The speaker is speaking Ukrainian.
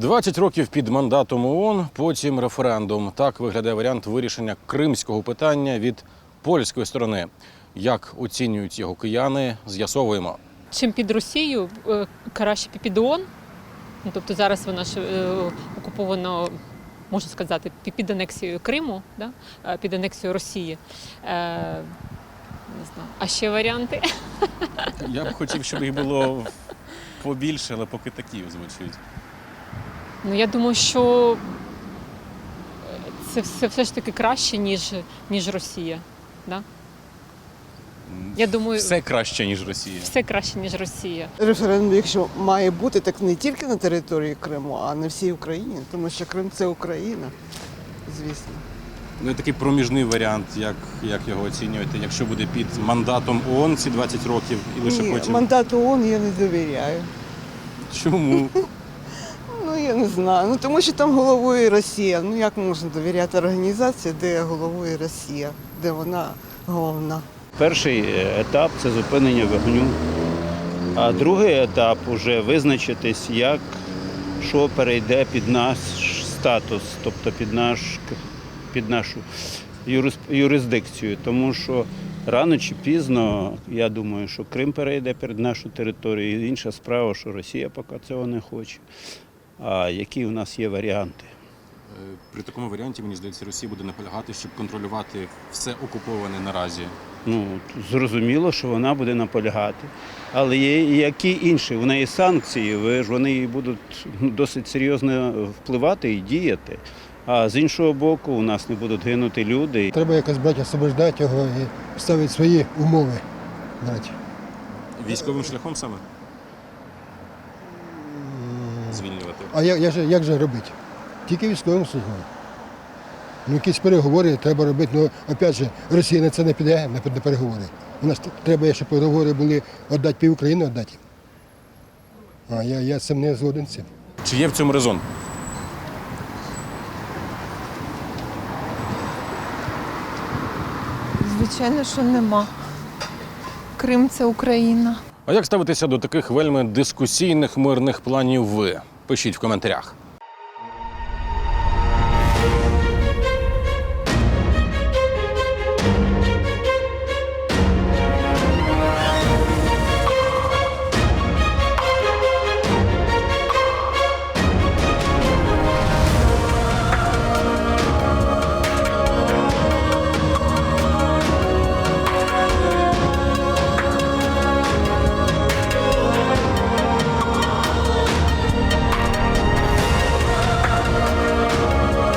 20 років під мандатом ООН, потім референдум. Так виглядає варіант вирішення кримського питання від польської сторони. Як оцінюють його кияни, з'ясовуємо. Чим під Росію, краще під ООН. Тобто зараз вона ж окупована, можна сказати, під анексією Криму, да? Під анексією Росії. Не знаю. А ще варіанти? Я б хотів, щоб їх було побільше, але поки такі звучать. Ну, я думаю, що це все ж таки краще, ніж Росія. Да? Я думаю, Все краще, ніж Росія. все краще, ніж Росія. Референдум, якщо має бути, так не тільки на території Криму, а на всій Україні, тому що Крим – це Україна, звісно. Ну, і такий проміжний варіант, як його оцінюєте, якщо буде під мандатом ООН ці 20 років і лише Ні, потім. мандату ООН я не довіряю. Чому? Ну, я не знаю. Ну, тому що там головує Росія. Ну, як можна довіряти організації, де головує Росія, де вона головна? Перший етап – це зупинення вогню, а другий етап – вже визначитись, що перейде під наш статус, тобто під нашу юрисдикцію. Тому що рано чи пізно, я думаю, що Крим перейде під нашу територію. І інша справа, що Росія поки цього не хоче. А які у нас є варіанти? При такому варіанті, мені здається, Росія буде наполягати, щоб контролювати все окуповане наразі. Ну, зрозуміло, що вона буде наполягати. Але є і які інші? В неї санкції, вони будуть досить серйозно впливати і діяти. А з іншого боку, у нас не будуть гинути люди. Треба якось брати, освобождати його і ставити свої умови. Військовим шляхом саме? Звільнювати. А як же робити? Тільки військовим шляхом. Ну, якісь переговори треба робити. Ну, опять же, Росія на це не піде, на переговори. У нас треба, щоб переговори були віддати пів України, віддати. А я з цим не згоден з цим. Чи є в цьому резон? Звичайно, що нема. Крим – це Україна. А як ставитеся до таких вельми дискусійних мирних планів ви? Пишіть в коментарях.